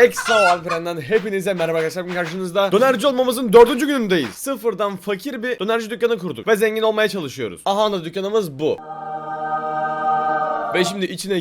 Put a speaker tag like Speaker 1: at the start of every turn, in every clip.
Speaker 1: Exo Alperen'den hepinize merhaba arkadaşlar. Bugün karşınızda dönerci olmamızın 4. günündeyiz. Sıfırdan fakir bir dönerci dükkanı kurduk ve zengin olmaya çalışıyoruz. Aha da dükkanımız bu. Ve şimdi içine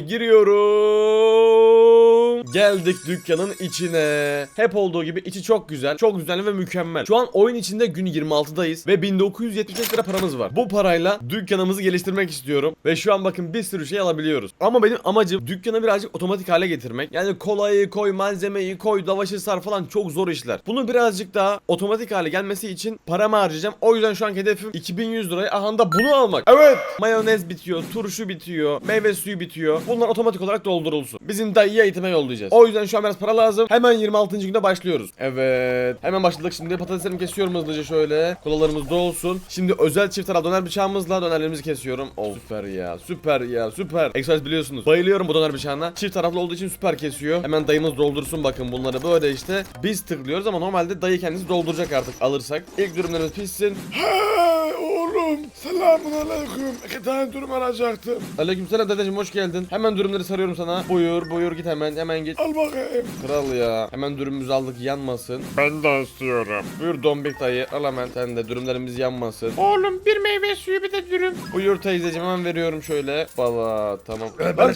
Speaker 1: giriyorum. Geldik dükkanın içine. Hep olduğu gibi içi çok güzel, çok düzenli ve mükemmel. Şu an oyun içinde gün 26'dayız ve 1975 lira paramız var. Bu parayla dükkanımızı geliştirmek istiyorum. Ve şu an bakın bir sürü şey alabiliyoruz. Ama benim amacım dükkanı birazcık otomatik hale getirmek. Yani kolayı koy, malzemeyi koy, lavaşı sar falan çok zor işler. Bunu birazcık daha otomatik hale gelmesi için paramı harcayacağım. O yüzden şu an hedefim 2100 liraya aha da bunu almak. Evet. Mayonez bitiyor, turşu bitiyor, meyve suyu bitiyor. Bunlar otomatik olarak doldurulsun. Bizim dayıya eğitime yollayacağız. O yüzden şu an biraz para lazım. Hemen 26. günde başlıyoruz. Evet. Hemen başladık şimdi. Patateslerimi kesiyorum hızlıca şöyle. Kolalarımız dolsun. Şimdi özel çift taraf döner bıçağımızla dönerlerimizi kesiyorum. Oh süper ya. Süper ya. Süper. Express biliyorsunuz. Bayılıyorum bu döner bıçağına. Çift taraflı olduğu için süper kesiyor. Hemen dayımız doldursun bakın bunları böyle işte. Biz tıklıyoruz ama normalde dayı kendisi dolduracak artık alırsak. İlk dürümlerimiz pişsin.
Speaker 2: Hey oğlum, selamun aleyküm. 2 tane dürüm alacaktım.
Speaker 1: Aleykümselam dedeciğim, hoş geldin. Hemen dürümleri sarıyorum sana. Buyur git hemen git.
Speaker 2: Al bakayım.
Speaker 1: Kral ya. Hemen dürümümüzü aldık, yanmasın.
Speaker 2: Ben de istiyorum.
Speaker 1: Buyur dombik dayı, al hemen sen de, dürümlerimiz yanmasın.
Speaker 3: Oğlum bir meyve suyu bir de dürüm.
Speaker 1: Buyur teyzeciğim, hemen veriyorum şöyle. Valla tamam.
Speaker 2: Bana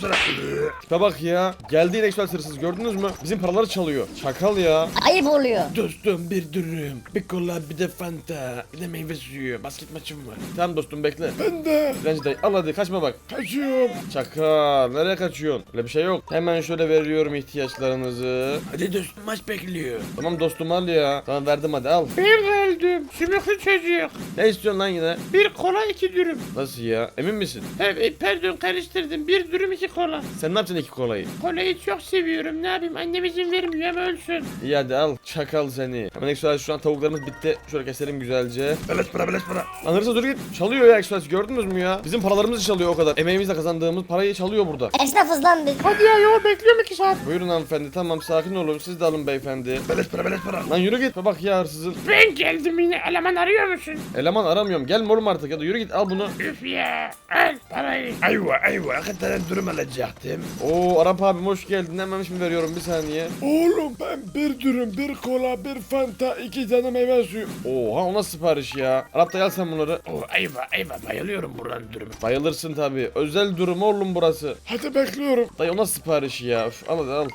Speaker 1: Tipe bak ya. Geldi yine ekspress hırsız, gördünüz mü? Bizim paraları çalıyor. Çakal ya.
Speaker 4: Ayıp oluyor.
Speaker 2: Dostum bir dürüm, bir kola, bir de fanta, bir de meyve suyu. Basket maçım var.
Speaker 1: Tamam dostum bekle.
Speaker 2: Ben de
Speaker 1: Dilenci dayı al hadi, kaçma bak.
Speaker 2: kaçıyorum.
Speaker 1: Çakal, nereye kaçıyorsun? Öyle bir şey yok. Hemen şöyle veriyorum ihtiyaçlarınızı.
Speaker 2: Hadi dostum, maç bekliyor.
Speaker 1: Tamam dostum al ya. Tamam verdim hadi al.
Speaker 3: Bir geldim. Sümüklü çocuk.
Speaker 1: Ne istiyorsun lan yine?
Speaker 3: Bir kola 2 dürüm.
Speaker 1: Nasıl ya? Emin misin?
Speaker 3: Evet pardon karıştırdım. Bir dürüm 2 kola.
Speaker 1: Sen ne yapacaksın iki kolayı?
Speaker 3: Kolayı çok seviyorum. Ne yapayım? Annem izin vermiyor ama ölsün.
Speaker 1: İyi hadi al. Çakal seni. Hemen Express şu an tavuklarımız bitti. Şöyle keselim güzelce.
Speaker 2: Beleş para, beleş para.
Speaker 1: Lan hırsız dur git. Çalıyor ya Express, gördünüz mü ya? Bizim paralarımızı çalıyor o kadar. Emeğimizle kazandığımız parayı çalıyor burada.
Speaker 4: Esnafız lan biz.
Speaker 3: Hadi ya yol bekliyorum 2 saat.
Speaker 1: Buyurun hanımefendi, tamam sakin olun, siz de alın beyefendi.
Speaker 2: Beleş para, beleş para.
Speaker 1: Lan yürü git. Bak ya hırsızın.
Speaker 3: Ben geldim yine. Eleman arıyor musun?
Speaker 1: Eleman aramıyorum. Gelme oğlum artık ya da yürü git, al bunu.
Speaker 3: Üf ya. Al parayı.
Speaker 2: Ayva, 2 tane dürüm alacaktım.
Speaker 1: Oo Arap abim hoş geldin. Hemen şimdi veriyorum, bir saniye.
Speaker 2: Oğlum ben bir dürüm, bir kola, bir fanta, 2 tane meyve suyu.
Speaker 1: Oha o nasıl sipariş ya? Arap da gel sen bunları.
Speaker 3: Oh ayva bayılıyorum buranın dürümü.
Speaker 1: Bayılırsın tabi. Özel durum oğlum burası.
Speaker 2: Hadi bekliyorum.
Speaker 1: Dayı o nasıl sipariş ya? Üf, al hadi al.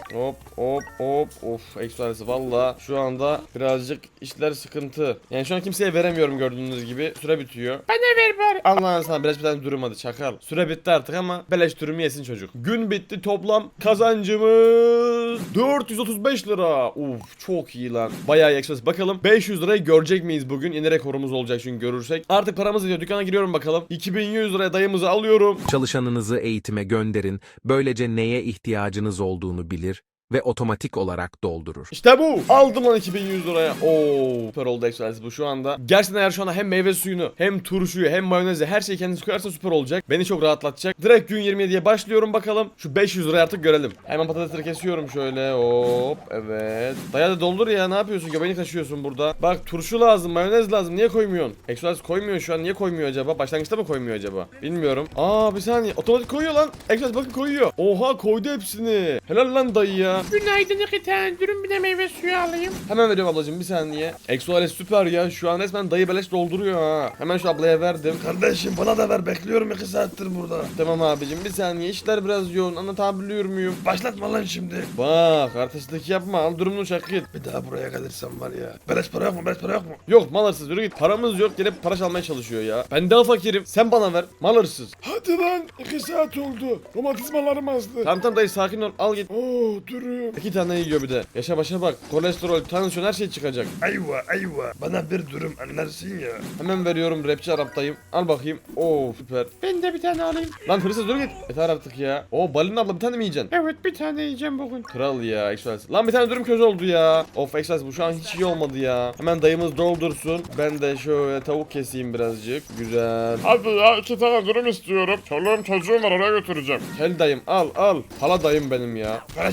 Speaker 1: Hop. Of ekstralisi valla. Şu anda birazcık işler sıkıntı. Yani şu an kimseye veremiyorum gördüğünüz gibi. Süre bitiyor.
Speaker 3: Bana ver bari.
Speaker 1: Allah'ın sana beleş bir tane dürüm hadi çakal. Süre bitti artık ama beleş dürümü yesin çocuk. Gün bitti, toplam kazancımız 435 lira. Uf çok iyi lan. Bayağı iyi ekspres. Bakalım 500 lirayı görecek miyiz bugün? Yine rekorumuz olacak çünkü görürsek. Artık paramız gidiyor. Dükkana giriyorum bakalım. 2100 liraya dayımızı alıyorum.
Speaker 5: Çalışanınızı eğitime gönderin, böylece neye ihtiyacınız olduğunu bilir ve otomatik olarak doldurur.
Speaker 1: İşte bu. Aldım lan 2100 liraya. Oo, süper oldu ekstralisi bu şu anda. Gerçekten eğer şu anda hem meyve suyunu, hem turşuyu, hem mayonezi, her şeyi kendisi koyarsa süper olacak. Beni çok rahatlatacak. Direkt gün 27'ye başlıyorum bakalım. Şu 500 lirayı artık görelim. Hemen patatesleri kesiyorum şöyle. Hop, evet. Daya da doldur ya, ne yapıyorsun? Göbeğini taşıyorsun burada. Bak turşu lazım, mayonez lazım. Niye koymuyorsun? Ekstralisi koymuyor şu an. Niye koymuyor acaba? Başlangıçta mı koymuyor acaba? Bilmiyorum. Aa bir saniye. Otomatik koyuyor lan. Ekstralisi bakın koyuyor. Oha koydu hepsini. Helal lan dayı ya.
Speaker 3: Günaydın 2 tane dürüm bir de meyve suyu alayım.
Speaker 1: Hemen veriyorum ablacığım, bir saniye. Exoales süper ya, şu an resmen dayı beleş dolduruyor ha. Hemen şu ablaya verdim.
Speaker 2: Kardeşim bana da ver, bekliyorum 2 saattir burada.
Speaker 1: Tamam abicim, bir saniye, işler biraz yoğun, anlatabiliyor muyum?
Speaker 2: Başlatma lan şimdi.
Speaker 1: Bak artistlik yapma, al durumunu çak git.
Speaker 2: Bir daha buraya gelirsem var ya. Beleş para yok mu, beleş para yok mu?
Speaker 1: Yok mal hırsız, yürü git, paramız yok, gelip para çalmaya çalışıyor ya. Ben daha fakirim, sen bana ver, mal hırsız.
Speaker 2: Hadi lan, 2 saat oldu. Romatizmalarım azdı.
Speaker 1: Tamam dayı sakin ol, al git.
Speaker 2: Oo dürüm.
Speaker 1: 2 tane yiyor bir de. Yaşa başa bak, kolesterol, tansiyon, her şey çıkacak.
Speaker 2: Ayva. Bana bir dürüm anlarsın ya.
Speaker 1: Hemen veriyorum, rapçi Arap dayım. Al bakayım. Oo süper.
Speaker 3: Ben de bir tane alayım.
Speaker 1: Lan hırsız dur git. Yeter artık ya. Oo Balin abla bir tane mi yiyeceksin?
Speaker 3: Evet bir tane yiyeceğim bugün.
Speaker 1: Kral ya Express. Lan bir tane dürüm köz oldu ya. Of Express bu şu an hiç iyi olmadı ya. Hemen dayımız doldursun. Ben de şöyle tavuk keseyim birazcık. Güzel.
Speaker 2: Hadi ya, 2 tane dürüm istiyorum. Çoluğum çocuğum var, oraya götüreceğim.
Speaker 1: Gel dayım al. Hala dayım benim ya.
Speaker 2: Beleş para.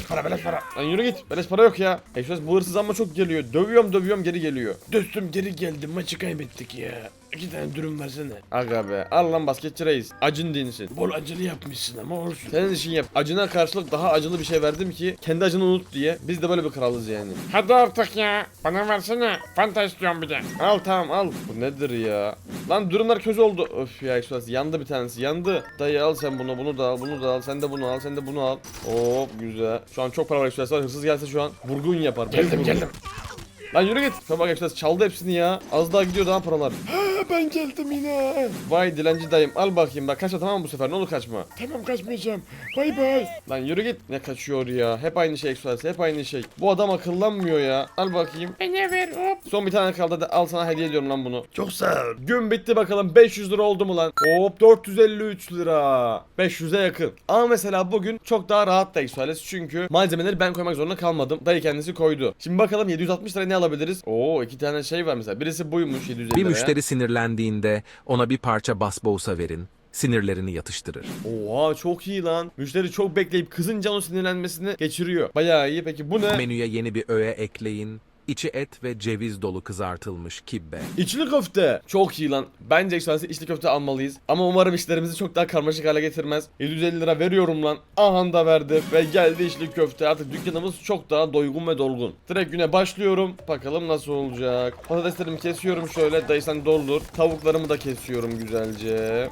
Speaker 2: para.
Speaker 1: Lan yürü git. Beleş para yok ya. Eksos bu hırsız ama çok geliyor. Dövüyorum geri geliyor.
Speaker 2: Dostum geri geldim, maçı kaybettik ya. 2 tane dürüm versene.
Speaker 1: Aga be. Al lan basketçi reis. Acın dinsin.
Speaker 2: Bol acılı yapmışsın ama olsun.
Speaker 1: Senin işin yap. Acına karşılık daha acılı bir şey verdim ki kendi acını unut diye. Biz de böyle bir kralız yani.
Speaker 3: Hadi artık ya. Bana versene. Fanta istiyorum bir de.
Speaker 1: Al tamam al. Bu nedir ya? Lan durumlar kötü oldu. Öf ya Eksos yandı bir tanesi yandı. Dayı al sen bunu da al bunu da al. Sen de bunu al sen de bunu al. Hop güzel. Şu an çok para var Eksos. Hırsız gelse şu an vurgun yapar.
Speaker 2: Geldim geldim.
Speaker 1: Lan yürü git. Tamam bak Eksos çaldı hepsini ya. Az daha gidiyor daha paralar.
Speaker 2: Ha, ben geldim yine.
Speaker 1: Vay dilenci dayım al bakayım bak kaçma tamam mı bu sefer ne olur kaçma.
Speaker 2: Tamam kaçmayacağım. Bay bay.
Speaker 1: Lan yürü git. Ne kaçıyor ya? Hep aynı şey Eksos hep aynı şey. Bu adam akıllanmıyor ya. Al bakayım.
Speaker 3: Bana ver hop.
Speaker 1: Son bir tane kaldı da al sana hediye ediyorum lan bunu.
Speaker 2: Çok sağ ol.
Speaker 1: Gün bitti bakalım 500 lira oldu mu lan? Hop 453 lira. 500'e yakın. Ama mesela bugün çok daha rahat da Eksos çünkü malzemeleri ben koymak zorunda kalmadım. Dayı kendisi koydu. Şimdi bakalım 760 lira ne alabiliriz? Oo 2 tane şey var mesela. Birisi buymuş 750
Speaker 5: Bir
Speaker 1: liraya.
Speaker 5: müşteri sinirlendiğinde ona bir parça basbousa verin. Sinirlerini yatıştırır.
Speaker 1: Oha çok iyi lan. Müşteri çok bekleyip kızınca onun sinirlenmesini geçiriyor. Bayağı iyi. Peki bu ne?
Speaker 5: Menüye yeni bir öğe ekleyin. İçi et ve ceviz dolu kızartılmış kibbe.
Speaker 1: İçli köfte. Çok iyi lan. Bence ekstrası içli köfte almalıyız. Ama umarım işlerimizi çok daha karmaşık hale getirmez. 750 lira veriyorum lan. Aha da verdi. Ve geldi içli köfte. Artık dükkanımız çok daha doygun ve dolgun. Direkt güne başlıyorum. Bakalım nasıl olacak. Patateslerimi kesiyorum şöyle. Dayı sen doldur. Tavuklarımı da kesiyorum güzelce.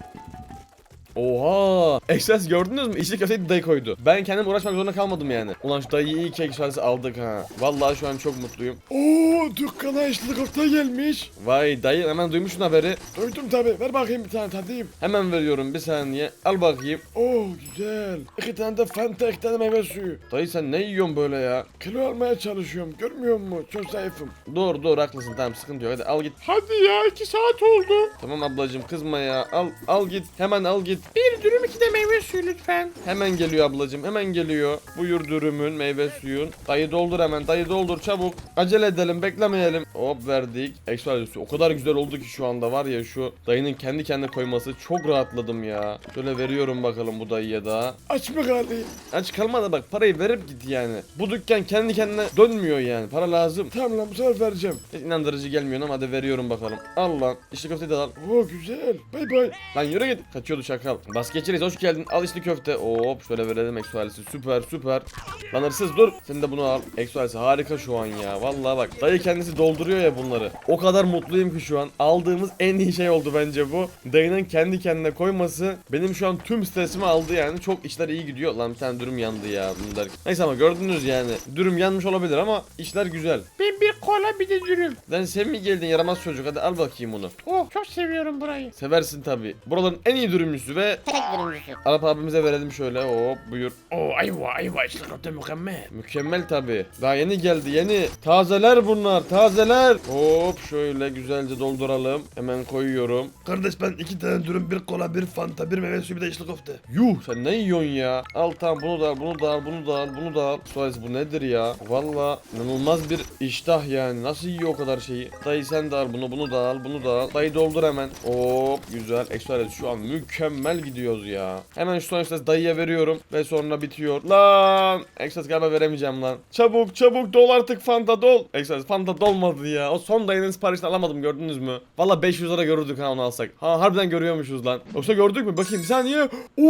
Speaker 1: Oha! Ekstrası gördünüz mü? İçli köfteyi dayı koydu. Ben kendim uğraşmak zorunda kalmadım yani. Ulan şu dayıyı iyi ki ekstrası aldık ha. Vallahi şu an çok mutluyum.
Speaker 2: Oo, dükkana içli köfte gelmiş.
Speaker 1: Vay dayı hemen duymuşsun haberi.
Speaker 2: Duydum tabi. Ver bakayım bir tane tadayım.
Speaker 1: Hemen veriyorum bir saniye. Al bakayım.
Speaker 2: Oo güzel. 2 tane de Fanta, 2 tane meyve suyu.
Speaker 1: Dayı sen ne yiyorsun böyle ya?
Speaker 2: Kilo almaya çalışıyorum. Görmüyor musun? Çok zayıfım.
Speaker 1: Doğru haklısın tamam sıkıntı yok hadi al git.
Speaker 3: Hadi ya 2 saat oldu.
Speaker 1: Tamam ablacığım kızma ya al git hemen al git.
Speaker 3: Bir dürüm 2 de meyve suyu lütfen.
Speaker 1: Hemen geliyor ablacığım hemen geliyor. Buyur dürümün meyve suyun. Dayı doldur hemen dayı doldur çabuk. Acele edelim beklemeyelim. Hop verdik. Ekstra o kadar güzel oldu ki şu anda var ya şu dayının kendi kendine koyması çok rahatladım ya. Şöyle veriyorum bakalım bu dayıya da.
Speaker 2: Aç mı kaldı?
Speaker 1: Aç kalma da bak parayı verip git yani. Bu dükkan kendi kendine dönmüyor yani para lazım.
Speaker 2: Tamam lan bu sefer vereceğim.
Speaker 1: Hiç inandırıcı gelmiyor ama hadi veriyorum bakalım. Al lan. İçli köfteyi de al.
Speaker 2: Oo güzel. Bay bay.
Speaker 1: Lan yürü git. Kaçıyordu şakal. Basketçi reis hoş geldin. Al içli köfte. Hop şöyle verelim eksualisi. Süper. Lan hırsız dur. Sen de bunu al. Eksualisi harika şu an ya. Vallahi bak. Dayı kendisi dolduruyor ya bunları. O kadar mutluyum ki şu an. Aldığımız en iyi şey oldu bence bu. Dayının kendi kendine koyması benim şu an tüm stresimi aldı yani. Çok işler iyi gidiyor. Lan bir tane dürüm yandı ya. Bunu derken. Neyse ama gördünüz yani. Dürüm yanmış olabilir ama işler güzel.
Speaker 3: Ben bir kola bir de dürüm.
Speaker 1: Lan sen mi geldin yaramaz çocuk? Hadi al bakayım onu.
Speaker 3: Oh çok seviyorum burayı.
Speaker 1: Seversin tabi. Buraların en iyi dürümcüsü ve
Speaker 3: Tek dürümcüsü.
Speaker 1: Arap abimize verelim şöyle. Hop buyur.
Speaker 2: Oo ayva içli köfte mükemmel.
Speaker 1: Mükemmel tabi. Daha yeni geldi yeni. Tazeler bunlar tazeler. Hop şöyle güzelce dolduralım. Hemen koyuyorum.
Speaker 2: Kardeş ben 2 tane dürüm, 1 kola, 1 Fanta, 1 meyve suyu, bir de içli köfte.
Speaker 1: Yuh sen ne yiyorsun ya? Al tamam bunu da al bunu da al bunu da al bunu da al. Suarez bu nedir ya? Valla inanılmaz bir iştah yani. Nasıl yiyor o kadar şeyi? Dayı sen de al bunu da al bunu da al. Dayı doldur hemen. Hop güzel. Suarez şu an mükemmel gidiyoruz ya. Hemen şu son Suarez dayıya veriyorum ve sonra bitiyor. Lan Suarez galiba veremeyeceğim lan. Çabuk dol artık Fanta dol. Suarez Fanta dolmadı ya. O son dayının siparişini alamadım gördünüz mü? Valla 500 lira görürdük ha onu alsak. Ha harbiden görüyormuşuz lan. Yoksa gördük mü? Bakayım bir saniye.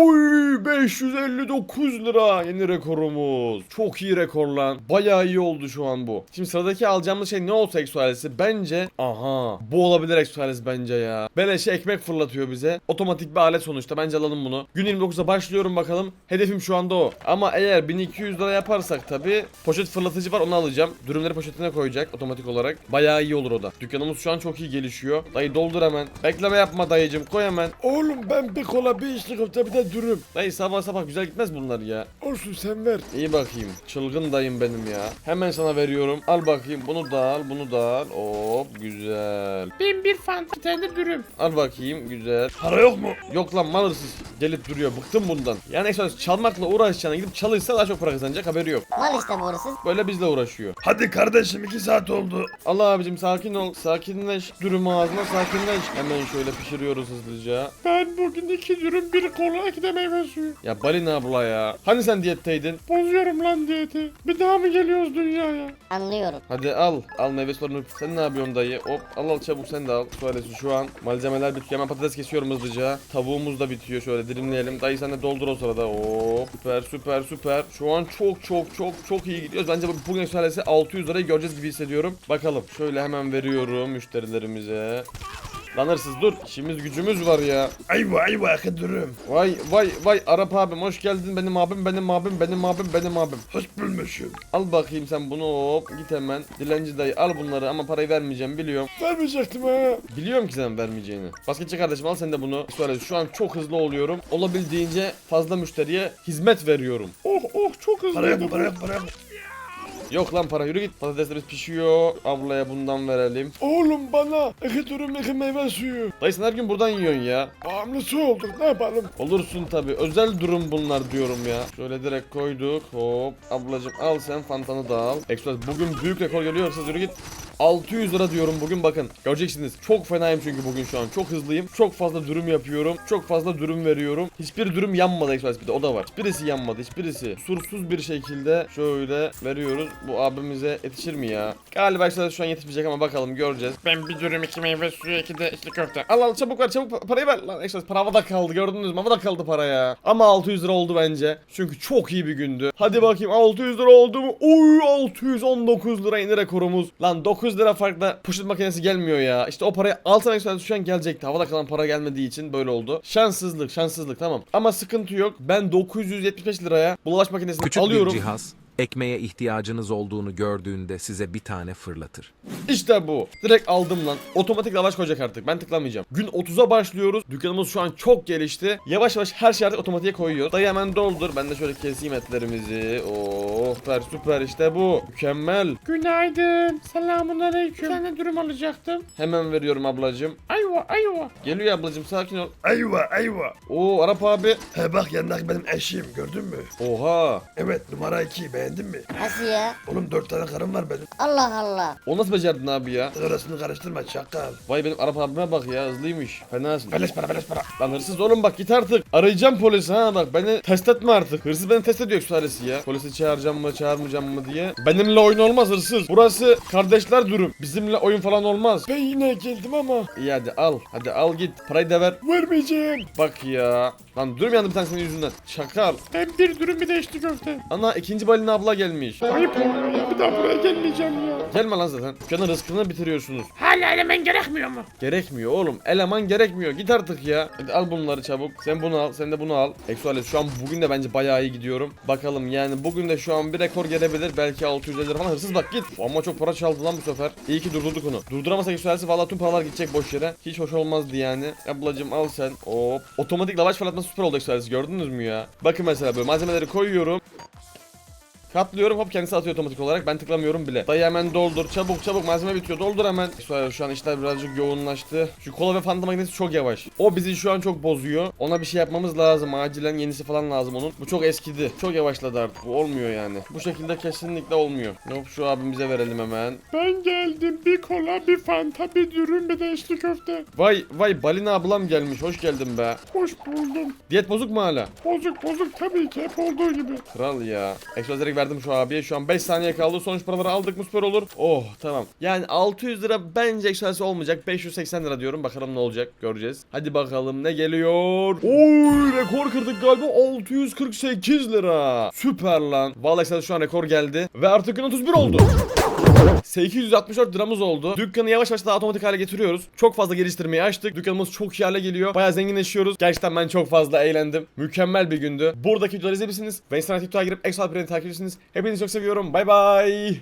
Speaker 1: Oy 559 lira yeni rekorumuz. Çok iyi rekor lan. Bayağı iyi oldu şu an bu. Şimdi sıradaki alacağımız şey ne olsa eksualesi? Bence aha bu olabilir eksualesi bence ya. Beleşe ekmek fırlatıyor bize. Otomatik bir alet sonuçta. Bence alalım bunu. Gün 29'a başlıyorum bakalım. Hedefim şu anda o. Ama eğer 1200 lira yaparsak tabi poşet fırlatıcı var onu alacağım. Dürümleri poşetine koyacak otomatik olarak. Bayağı iyi olur o da. Dükkanımız şu an çok iyi gelişiyor. Dayı doldur hemen. Bekleme yapma dayıcım koy hemen.
Speaker 2: Oğlum ben 1 kola, 1 içli köfte, bir de dürüm.
Speaker 1: Dayı sabah sabah güzel gitmez bunlar ya.
Speaker 2: Olsun sen ver.
Speaker 1: İyi bakayım. Çılgın dayım benim ya. Hemen sana veriyorum. Al bakayım. Bunu da al. Bunu da al. Hop güzel.
Speaker 3: Ben bir Fanta bir tane de dürüm.
Speaker 1: Al bakayım. Güzel.
Speaker 2: Para yok mu?
Speaker 1: Yok lan mal hırsız gelip duruyor. Bıktım bundan. Yani Exodus çalmakla uğraşacağına gidip çalışsa daha çok para kazanacak, haberi yok.
Speaker 4: Mal işte bu hırsız.
Speaker 1: Böyle bizle uğraşıyor.
Speaker 2: Hadi kardeşim 2 saat oldu.
Speaker 1: Allah abicim sakin ol. Sakinleş. Dürüm ağzına sakinleş. Hemen şöyle pişiriyoruz hızlıca.
Speaker 3: Ben bugün 2 dürüm 1 kola 2 de meyve suyu.
Speaker 1: Ya Balina abla ya. Hani sen diyetteydin?
Speaker 3: Bozuyorum lan diyeti. Bir daha mı geliyoruz dünyaya?
Speaker 4: Anlıyorum.
Speaker 1: Hadi al. Al meyve sularını. Sen ne yapıyorsun dayı? Hop al çabuk sen de al. Suaresi şu an. Malzemeler bitiyor. Hemen patates kesiyorum hızlıca. Tavuğumuz da bitiyor. Şöyle dilimleyelim. Dayı sen de doldur o sırada. Hop. Süper süper süper. Şu an çok iyi gidiyoruz. Bence bugün suaresi 600 lirayı göreceğiz gibi hissediyorum. Bakalım. Şöyle hemen veriyorum müşterilerimize. Lan hırsız dur. İşimiz gücümüz var ya.
Speaker 2: Ayva ayva dürüm.
Speaker 1: Vay Arap abim hoş geldin, benim abim.
Speaker 2: Hoş bulmuşum.
Speaker 1: Al bakayım sen bunu, hop git hemen. Dilenci dayı al bunları ama parayı vermeyeceğim biliyorum.
Speaker 2: Vermeyecektim ha.
Speaker 1: Biliyorum ki sen vermeyeceğini. Basketçi kardeşim al sen de bunu. Söyle şu an çok hızlı oluyorum. Olabildiğince fazla müşteriye hizmet veriyorum.
Speaker 3: Oh çok hızlı.
Speaker 2: Para yok para yok para yok.
Speaker 1: Yok lan para, yürü git. Patateslerimiz pişiyor. Ablaya bundan verelim.
Speaker 2: Oğlum bana 2 dürüm 2 meyve suyu.
Speaker 1: Dayı sen her gün buradan yiyorsun ya.
Speaker 2: Bağımlısı olduk ne yapalım.
Speaker 1: Olursun tabi. Özel durum bunlar diyorum ya. Şöyle direkt koyduk. Hop. Ablacım al sen fantanı da al. Express bugün büyük rekor geliyor. Hırsız yürü git. 600 lira diyorum bugün, bakın. Göreceksiniz. Çok fenayım çünkü bugün şu an. Çok hızlıyım. Çok fazla dürüm yapıyorum. Çok fazla dürüm veriyorum. Hiçbir dürüm yanmadı Express, bir de o da var. Hiçbirisi yanmadı. Hiçbirisi. Kusursuz bir şekilde şöyle veriyoruz. Bu abimize yetişir mi ya? Galiba Express şu an yetişmeyecek ama bakalım göreceğiz.
Speaker 3: Ben 1 dürüm 2 meyve suyu 2 de içli köfte.
Speaker 1: Al çabuk ver, çabuk parayı ver. Lan Express para havada kaldı, gördünüz mü? Havada kaldı para ya. Ama 600 lira oldu bence. Çünkü çok iyi bir gündü. Hadi bakayım 600 lira oldu mu? Oy 619 lira yeni rekorumuz. Lan 9 lira farkla poşet makinesi gelmiyor ya. İşte o parayı altına Express şu an gelecekti. Havada kalan para gelmediği için böyle oldu. Şanssızlık tamam. Ama sıkıntı yok. Ben 975 liraya bulaş makinesini
Speaker 5: Küçük
Speaker 1: alıyorum.
Speaker 5: bir cihaz, ekmeğe ihtiyacınız olduğunu gördüğünde size bir tane fırlatır.
Speaker 1: İşte bu. Direkt aldım lan. Otomatik lavaş koyacak artık. Ben tıklamayacağım. Gün 30'a başlıyoruz. Dükkanımız şu an çok gelişti. Yavaş yavaş her şeyi artık otomatiğe koyuyor. Dayı hemen doldur. Ben de şöyle keseyim etlerimizi. Oh süper işte bu. Mükemmel.
Speaker 3: Günaydın. Selamun aleyküm. Bir tane dürüm alacaktım.
Speaker 1: Hemen veriyorum ablacığım.
Speaker 3: Ayva.
Speaker 1: Geliyor ablacığım, sakin ol.
Speaker 2: Ayva ayva.
Speaker 1: Oo Arap abi.
Speaker 2: He bak yanındaki benim eşim gördün mü?
Speaker 1: Oha.
Speaker 2: Evet numara 2 beğendin mi?
Speaker 4: Nasıl ya?
Speaker 2: Oğlum 4 tane karım var benim.
Speaker 4: Allah Allah.
Speaker 1: O nasıl becerdin abi ya?
Speaker 2: Arasını karıştırma çakal.
Speaker 1: Vay benim Arap abime bak ya, hızlıymış. Fenasın.
Speaker 2: Beleş para.
Speaker 1: Lan hırsız oğlum bak git artık. Arayacağım polisi ha, bak beni test etme artık. Hırsız beni test ediyor sülalesi ya. Polisi çağıracağım mı çağırmayacağım mı diye. Benimle oyun olmaz hırsız. Burası kardeşler durum. Bizimle oyun falan olmaz.
Speaker 2: Ben yine geldim ama
Speaker 1: İyi hadi al. Hadi al git. Parayı da ver.
Speaker 2: vermeyeceğim.
Speaker 1: Bak ya. Lan durum yandı bir tane senin yüzünden. Şakal.
Speaker 3: Ben 1 dürüm bir de içli köfte.
Speaker 1: Ana ikinci balina abla gelmiş.
Speaker 3: Ayıp oluyor ya. Bir daha buraya gelmeyeceğim ya.
Speaker 1: Gelme lan zaten. Dükkanın rızkını bitiriyorsunuz.
Speaker 3: Hala elemen gerekmiyor mu?
Speaker 1: Gerekmiyor oğlum. Eleman gerekmiyor. Git artık ya. Hadi al bunları çabuk. Sen bunu al. Sen de bunu al. Exuales şu an bugün de bence bayağı iyi gidiyorum. Bakalım yani bugün de şu an bir rekor gelebilir. Belki 600 lira falan. Hırsız bak git. Ama çok para çaldı lan bu sefer. İyi ki durdurduk onu. Durduramasak Exuales'i valla tüm paralar gidecek boş yere. Hiç hoş olmazdı yani. Ablacım al sen. Hop. Otomatik lavaş fırlatması süper oldu Exuales. Gördünüz mü ya? Bakın mesela böyle malzemeleri koyuyorum. Katlıyorum, hop kendisi atıyor otomatik olarak, ben tıklamıyorum bile. Dayı hemen doldur, çabuk malzeme bitiyor, doldur hemen. Şu an işler birazcık yoğunlaştı. Şu kola ve fanta makinesi çok yavaş. O bizi şu an çok bozuyor. Ona bir şey yapmamız lazım, acilen yenisi falan lazım onun. Bu çok eskidi, çok yavaşladı artık, bu olmuyor yani. Bu şekilde kesinlikle olmuyor. Hop şu abimize verelim hemen.
Speaker 3: Ben geldim. Bir kola, bir fanta, bir dürüm, bir de içli köfte.
Speaker 1: Vay balina ablam gelmiş, hoş geldin be.
Speaker 3: Hoş buldum.
Speaker 1: Diyet bozuk mu hala?
Speaker 3: Bozuk tabii ki. Hep olduğu gibi.
Speaker 1: Kral ya. Ekstra direkt verdim şu abiye. Şu an 5 saniye kaldı. Sonuç paraları aldık mı süper olur. Oh tamam. Yani 600 lira bence ekstrası olmayacak. 580 lira diyorum. Bakalım ne olacak. Göreceğiz. Hadi bakalım ne geliyor. Oy rekor kırdık galiba. 648 lira. Süper lan. Vallahi ekstrası şu an rekor geldi. Ve artık gün 31 oldu. 864 liramız oldu. Dükkanı yavaş yavaş daha otomatik hale getiriyoruz. Çok fazla geliştirmeyi açtık. Dükkanımız çok iyi hale geliyor. Bayağı zenginleşiyoruz. Gerçekten ben çok fazla eğlendim. Mükemmel bir gündü. Buradaki videoları izleyebilirsiniz. Ve Instagram TikTok'a girip Exo Alperen'i takip ediyorsunuz. Hepinizi çok seviyorum. Bay bay.